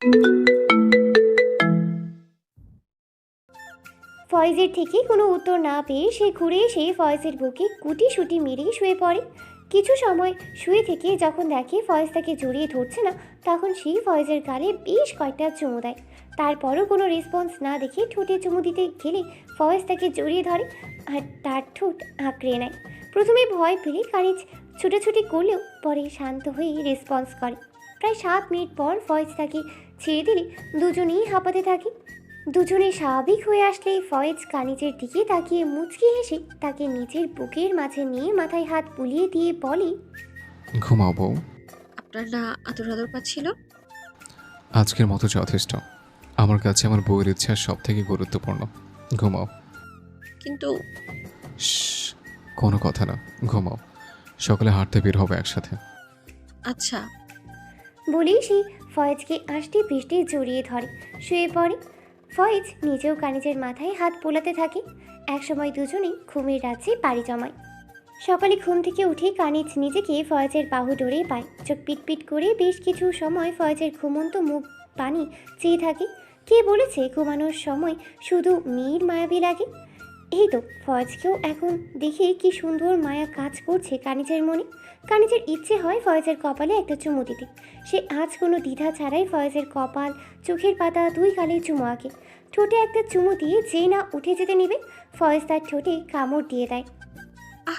ফয়েজের থেকে কোনো উত্তর না পেয়ে সে ঘুরে এসে ফয়েজের বুকে গুটি মেরেই শুয়ে পড়ে। কিছু সময় শুয়ে থেকে যখন দেখে ফয়েজ তাকে জড়িয়ে ধরছে না, তখন সেই ফয়েজের গালে বেশ কয়েকটা চুমু দেয়। তারপরও কোনো রেসপন্স না দেখে ঠোঁটে চুমু দিতে গেলে ফয়েজ তাকে জড়িয়ে ধরে আর তার ঠোঁট আঁকড়ে নেয়। প্রথমে ভয় পেলে কানিজ ছুটাছুটি করলেও পরে শান্ত হয়ে রেসপন্স করে। প্রায় 7 মিনিট পর ফয়েজ তাকে ছেড়ে দিলে দুজনেই হাঁপাতে থাকে। দুজনে স্বাভাবিক হয়ে আসলে ফয়েজ কানিজের দিকে তাকিয়ে মুচকি হেসে তাকে নিজের বুকের মাঝে নিয়ে মাথায় হাত বুলিয়ে দিয়ে বলে, ঘুমাও বউ। আপনার না আদর আদর পাচ্ছিল? আজকের মতো যথেষ্ট। আমার কাছে আমার বউয়ের ইচ্ছা সব থেকে গুরুত্বপূর্ণ। ঘুমাও। কিন্তু শ্শ্, কোনো কথা না, ঘুমাও। সকালে হাঁটতে বের হবে একসাথে। আচ্ছা। বলেই সে ফয়েজকে আষ্টে পৃষ্ঠে জড়িয়ে ধরে শুয়ে পড়ে। ফয়েজ নিজেও কানিজের মাথায় হাত বোলাতে থাকে। একসময় দুজনেই ঘুমের রাজ্যে পাড়ি জমায়। সকালে ঘুম থেকে উঠে কানিজ নিজেকে ফয়েজের বাহু ডোরে পায়। চোখ পিটপিট করে বেশ কিছু সময় ফয়েজের ঘুমন্ত মুখ পানি চেয়ে থাকে। কে বলেছে ঘুমানোর সময় শুধু মেয়ের মায়াবী লাগে? এই তো ফয়েজকেও এখন দেখে কি সুন্দর মায়া কাজ করছে কানিজের মনে। কানিজের ইচ্ছে হয় ফয়েজের কপালে একটা চুমু দিতে। সে আজ কোনো দ্বিধা ছাড়াই ফয়েজের কপাল, চোখের পাতা, দুই গালে চুমু আঁকে। ঠোঁটে একটা চুমু দিয়ে যেই না উঠে যেতে নেবে, ফয়েজ তার ঠোঁটে কামড় দিয়ে দেয়। আহ!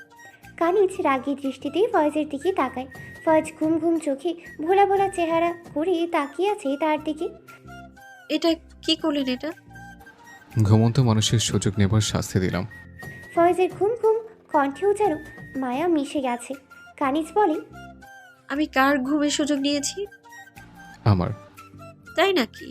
কানিজ রাগী দৃষ্টিতে ফয়েজের দিকে তাকায়। ফয়েজ ঘুম ঘুম চোখে ভোলা ভোলা চেহারা করে তাকিয়ে আছে তার দিকে। এটা কি করলেন এটা? ঘুমন্ত মানুষের সুযোগ নেবার শাস্তি দিলাম। ফয়েজের ঘুম ঘুম কণ্ঠেও যেন মায়া মিশে গেছে। কানিজ বলে, আমি কার ঘুমের সুযোগ নিয়েছি? আমার। তাই নাকি?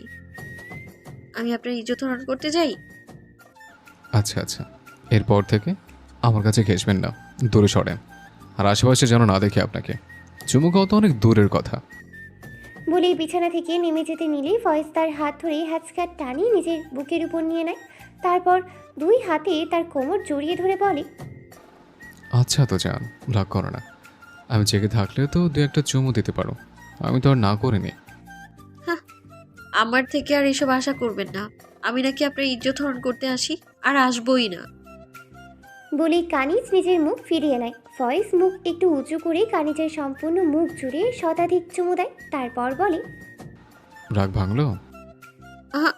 আমি আপনার ইজ্জত হরণ করতে যাই? আচ্ছা আচ্ছা, এরপর থেকে আমার কাছে ঘেসবেন না, দূরে সরেন। আর আশেপাশে যেন না দেখি আপনাকে। চুমু খাওয়া তো অনেক দূরের কথা। বলেই বিছানা থেকে নেমে যেতে নিলেই ফয়েজ তার হাত ধরে হ্যাচকার টানি নিজের বুকের উপর নিয়ে নেয়। তারপর দুই হাতে তার কোমর জড়িয়ে ধরে বলে, আচ্ছা তো যান, রাগ করো না। আমি জেগে থাকলে তো দু একটা চুমু দিতে পারো। আমি তো আর না করিনি। হ্যাঁ, আমার থেকে আর এসব আশা করবেন না। আমি নাকি আপনার ইজ্জত হরণ করতে আসি? আর আসবই না। বলেই কানিজ নিজের মুখ ফিরিয়ে নেয়। ফয়েজ মুখ একটু উঁচু করে কানিজের সম্পূর্ণ মুখ জুড়ে শতাধিক চুমু দেয়। তারপর বলে, রাগ ভাঙলো? আহা!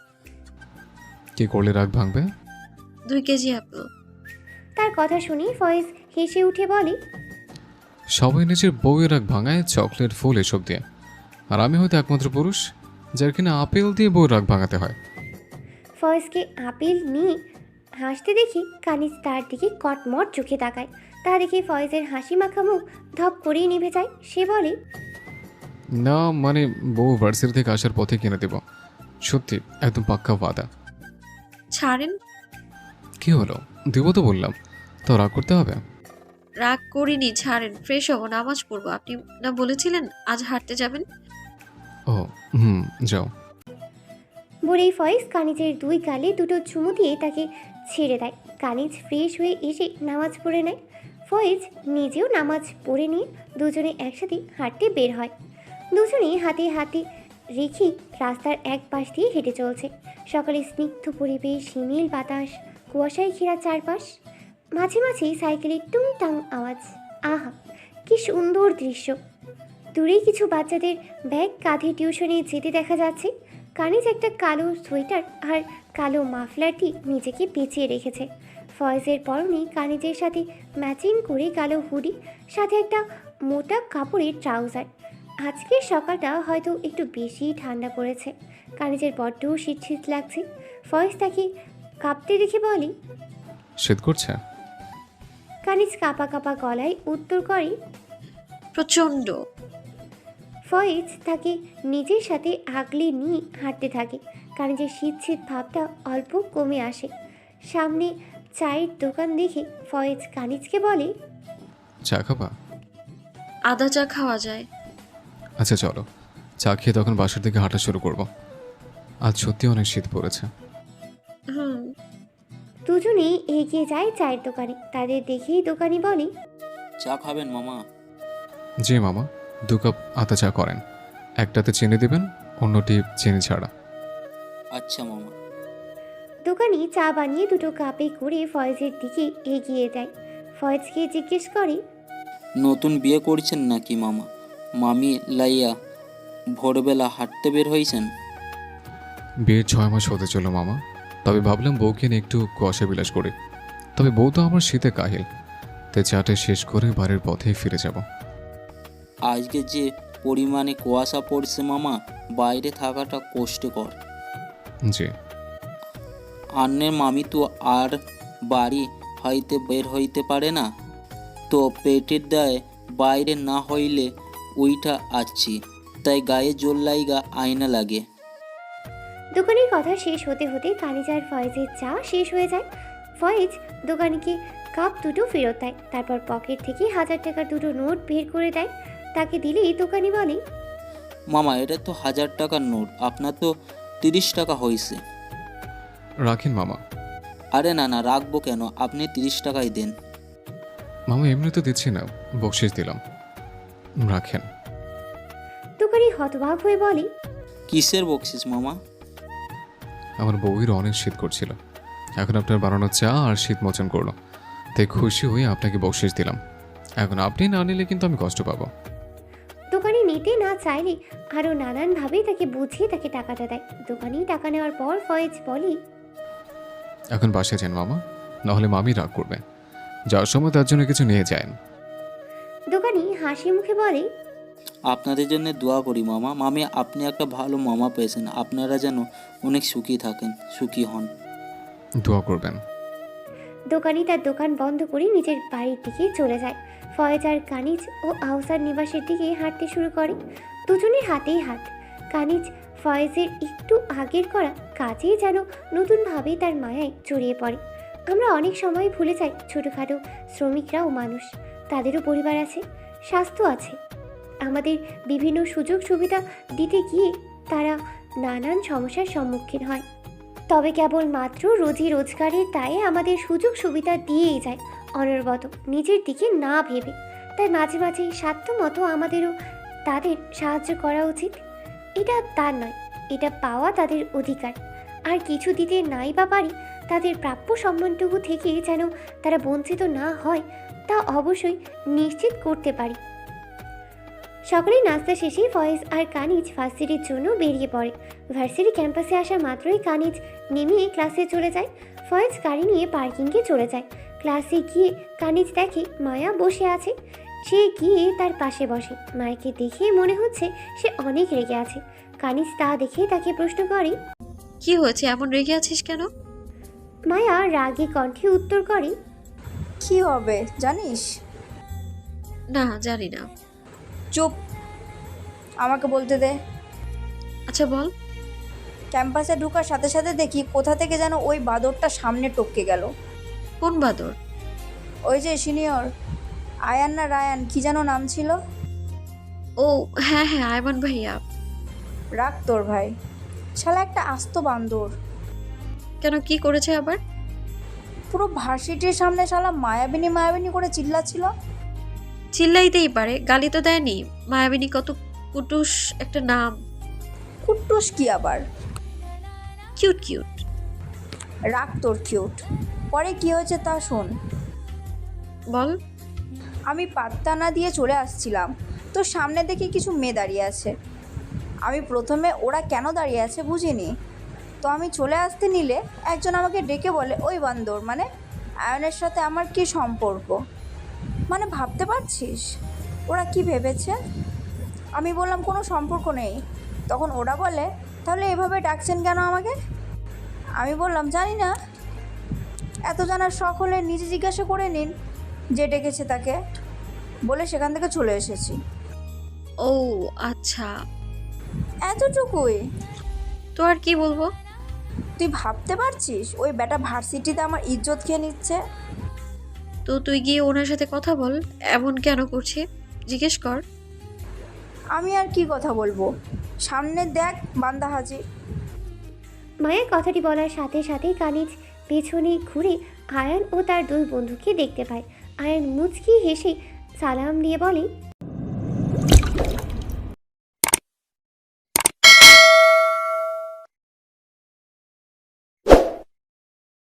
কি করলে রাগ ভাঙবে? 2 কেজি আপেল। তার কথা শুনে ফয়েজ হেসে উঠে বলে, সবাই নিজের বউয়ের রাগ ভাঙায় চকলেট, ফুল এসব দিয়ে। আর আমি হয়তো একমাত্র পুরুষ যার কিনা আপেল দিয়ে বউয়ের রাগ ভাঙাতে হয়। ফয়েজকে আপেল নিয়ে হাসতে দেখে কানিজ তার দিকে কটমট চোখে তাকায়। তা দেখে ফয়েজের হাসি মাখা মুখ ধপ করেই নিভে যায়। সে বলে, না মানে, বউ ভার্সিটি থেকে আসার পথে কিনে দেব। সত্যি, একদম পাক্কা ওয়াদা। ছাড়েন। কি হলো, দেবো তো বললাম, তো রাগ করতে হবে? রাগ করিনি, ছাড়েন। ফ্রেশ হবো, নামাজ পড়বো। আপনি না বলেছিলেন আজ হাঁটতে যাবেন? ও হুম, যাও। বলেই ফয়েজ কানিজের দুই গালে দুটো চুমু দিয়ে তাকে ছেড়ে দেয়। কানিজ ফ্রেশ হয়ে এসে নামাজ পড়ে নেয়। ফয়েজ নিজেও নামাজ পড়ে নিয়ে দুজনে একসাথে হাঁটতে বের হয়। দুজনেই হাতে হাতে রেখে রাস্তার এক পাশ দিয়ে হেঁটে চলছে। সকালে স্নিগ্ধ পরিবেশ, হিমেল বাতাস, কুয়াশায় ঘেরা চারপাশ, মাঝে মাঝেই সাইকেলের টুংটাং আওয়াজ। আহা, কি সুন্দর দৃশ্য! দূরেই কিছু বাচ্চাদের ব্যাগ কাঁধে টিউশনে যেতে দেখা যাচ্ছে। কানিজ একটা কালো সোয়েটার আর কালো মাফলারটি নিজেকে পেঁচিয়ে রেখেছে। ফয়েজের পরনে কানিজের সাথে ম্যাচিং করে কালো হুডি, সাথে একটা মোটা কাপড়ের ট্রাউজার। আজকের সকালটা হয়তো একটু বেশি ঠান্ডা পড়েছে। কানিজের বড্ড শীত শীত লাগছে। ফয়েজ তাকে কাঁপতে দেখে বলে, শীত করছে? কানিজ কাঁপা কাঁপা গলায় উত্তর করে। প্রচণ্ড। ফয়েজ তাকে নিজের সাথে আগলে নিয়ে হাঁটতে থাকে। কানিজের শীত শীত ভাবটা অল্প কমে আসে। সামনে চায়ের দোকান দেখে ফয়েজ কানিজকে বলে, চা খাবা? আদা চা খাওয়া যায়। আচ্ছা চলো, চা খেয়ে তখন বাসার দিকে হাঁটা শুরু করব। আজ সত্যি অনেক শীত পড়েছে। হুম। দুজনেই এগিয়ে যায় চায়ের দোকানে। তাদের দেখেই দোকানি বলে, চা খাবেন মামা? জি মামা, 2 কাপ আতা চা করেন। একটাতে চিনি দিবেন, অন্যটি চিনি ছাড়া। আচ্ছা মামা। দোকানি চা বানিয়ে দুটো কাপে করে ফয়েজের দিকে এগিয়ে দেয়। ফয়েজকে জিজ্ঞেস করে, নতুন বিয়ে করছেন নাকি মামা? মামি লাইয়া ভোরবেলা হাঁটতে বের হয়েছেন? বিয়ের 6 মাস হতে চলো মামা, তবে ভাবলাম বউকে নিয়ে একটু কুয়াশা বিলাস করি। তবে বউ তো আমার শীতে কাহিল, তাই চাটে শেষ করে বাড়ির পথেই ফিরে যাব। আজকে যে পরিমাণে কুয়াশা পড়ছে মামা, বাইরে থাকাটা কষ্টকর। জি। আন্নের মামি তো আর বাড়ি হইতে বের হইতে পারে না, তো পেটের দায়ে বাইরে না হইলে উইঠা আসছি, তাই গায়ে জোর লাইগা আয়না লাগে। দোকানের কথা শেষ হতে হতে কানিজ আর ফয়েজের চা শেষ হয়ে যায়। ফয়েজ দোকানিকে কাপ দুটো ফেরত দেয়, তারপর পকেট থেকে 1000 টাকার দুটো নোট বের করে দেয়। তাকে দিলেই দোকানি বলে, মামা এটা তো 1000 টাকার নোট, আপনার তো 30 টাকা হয়েছে। রাখেন মামা। আরে না না, রাখবো কেন, আপনি 30 টাকাই দেন। মামা এমনি তো দিচ্ছি না, বকশিস দিলাম, রাখেন। দোকানি হতবাক হয়ে বলে, কিসের বকশিস মামা? আমার বউয়ের অনেক শীত করছিল, এখন আপনার বানানো চা আর শীত মোচন করলো, তাই খুশি হয়ে আপনাকে বকশিস দিলাম। এখন আপনি না নিলে কিন্তু আমি কষ্ট পাবো। দোকানি নিতে না চাইলে আরও নানানভাবে তাকে বুঝিয়ে তাকে টাকাটা দেয়। দোকানি টাকা নেওয়ার পর ফয়েজ বলে, এখন বাসায় যান মামা, নাহলে মামি রাগ করবে। যাওয়ার সময় তার জন্য কিছু নিয়ে যান। দোকানি হাসি মুখে বলে, আপনাদের জন্য দোয়া করি মামা। মামি আপনি একটা ভালো মামা পেয়েছেন, আপনারা যেন অনেক সুখী থাকেন, সুখী হন। দোয়া করবেন। দোকানি তার দোকান বন্ধ করে নিজের বাড়ির দিকে চলে যায়। ফয়েজ আর কানিজ ও আহসার নিবাসের দিকে হাঁটতে শুরু করে। দুজনের হাতেই হাত। কানিজ ফয়েজের একটু আগের করা কাজে যেন নতুনভাবে তার মায়ায় জড়িয়ে পড়ে। আমরা অনেক সময় ভুলে যাই ছোটোখাটো শ্রমিকরাও মানুষ, তাদেরও পরিবার আছে, স্বাস্থ্য আছে। আমাদের বিভিন্ন সুযোগ সুবিধা দিতে গিয়ে তারা নানান সমস্যার সম্মুখীন হয়। তবে কেবলমাত্র রোজি রোজগারের দায়ে আমাদের সুযোগ সুবিধা দিয়েই যায় অনবরত, নিজের দিকে না ভেবে। তাই মাঝে মাঝে সাধ্য মতো আমাদেরও তাদের সাহায্য করা উচিত। এটা তার নয়, এটা পাওয়া তাদের অধিকার। আর কিছু দিতে নাই বা পারি, তাদের প্রাপ্য সম্মানটুকু থেকে যেন তারা বঞ্চিত না হয় তা অবশ্যই নিশ্চিত করতে পারি। সকালেই নাস্তা শেষে ফয়েজ আর কানিজ ভার্সিটির জন্য বেরিয়ে পড়ে। ভার্সিটি ক্যাম্পাসে আসা মাত্রই কানিজ নেমে ক্লাসে চলে যায়। ফয়েজ গাড়ি নিয়ে পার্কিংয়ে চলে যায়। ক্লাসে গিয়ে কানিজ দেখে মায়া বসে আছে। সে গিয়ে তার পাশে বসে। মায়াকে দেখে মনে হচ্ছে সে অনেক রেগে আছে। কানিজ তা দেখে তাকে প্রশ্ন করে, কি হয়েছে, এমন রেগে আছিস কেন? মায়া রাগে কণ্ঠে উত্তর করে, কি হবে জানিস? না, জানি না। চুপ, আমাকে বলতে দে। আচ্ছা বল। ক্যাম্পাসে ঢোকার সাথে সাথে দেখি কোথা থেকে যেন ওই বাদরটা সামনে টপকে গেল। কোন বাদর? ওই যে সিনিয়র, আয়ান না রায়ান কি যেন নাম ছিল। ও হ্যাঁ হ্যাঁ, আয়মান ভাইয়া। রাখ তোর ভাই, শালা একটা আস্ত বান্দর। কেন, কি করেছে আবার? পুরো ভার্সিটির সামনে শালা মায়াবিনী মায়াবিনী করে চিল্লাচ্ছিল। চিল্লাইতেই পারে, গালি তো দেয়নি। মায়াবিনী কত কুটুস একটা নাম। কুট্টুস কি আবার? Cute cute. রাখ তোর কিউট, পরে কি হয়েছে তা শোন। বল। আমি পাত্তা না দিয়ে চলে আসছিলাম, তো সামনে দেখি কিছু মেয়ে দাঁড়িয়ে আছে। আমি প্রথমে ওরা কেন দাঁড়িয়ে আছে বুঝিনি, তো আমি চলে আসতে নিলে একজন আমাকে ডেকে বলে, ওই বান্দর মানে আয়নের সাথে আমার কি সম্পর্ক। মানে ভাবতে পারছিস ওরা কি ভেবেছে? আমি বললাম কোনো সম্পর্ক নেই। তখন ওরা বলে, তাহলে এভাবে ডাকছেন কেন আমাকে? আমি বললাম জানি না, এত জানার শখ হলে নিজে জিজ্ঞাসা করে নিন যে ডেকেছে তাকে, বলে সেখান থেকে চলে এসেছি। ও আচ্ছা, এতটুকুই। তো আর কি বলবো? তুই ভাবতে পারছিস ওই বেটা ভার্সিটিতে আমার ইজ্জত খেয়ে নিচ্ছে? তো তুই গিয়ে ওনার সাথে কথা বল, এমন কেন করছে জিজ্ঞেস কর। আমি আর কি কথা বলবো, সামনে দেখ বান্দা হাজির। মায়ের কথাটি বলার সাথে সাথেই কানিজ পেছনে ঘুরে আয়ান ও তার দুই বন্ধুকে দেখতে পায়। আয়ান মুচকি হেসে সালাম দিয়ে বলে,